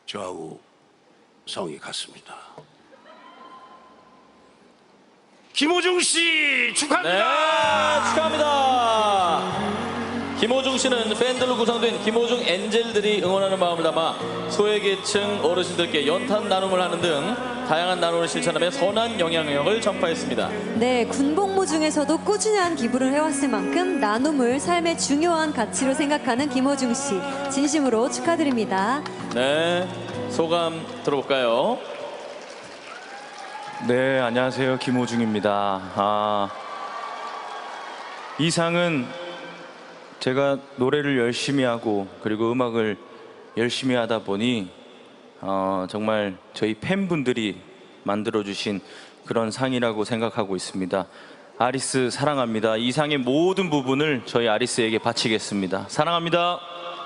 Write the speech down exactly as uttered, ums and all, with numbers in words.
저하고 성이 같습니다. 김호중 씨 축하합니다. 네, 축하합니다. 김호중 씨는 팬들로 구성된 김호중 엔젤들이 응원하는 마음을 담아 소외계층 어르신들께 연탄 나눔을 하는 등 다양한 나눔을 실천하며 선한 영향력을 전파했습니다. 네, 군복무 중에서도 꾸준한 기부를 해왔을 만큼 나눔을 삶의 중요한 가치로 생각하는 김호중 씨, 진심으로 축하드립니다. 네, 소감 들어볼까요? 네, 안녕하세요. 김호중입니다. 아, 이 상은 제가 노래를 열심히 하고 그리고 음악을 열심히 하다 보니 어, 정말 저희 팬분들이 만들어주신 그런 상이라고 생각하고 있습니다. 아리스 사랑합니다. 이 상의 모든 부분을 저희 아리스에게 바치겠습니다. 사랑합니다.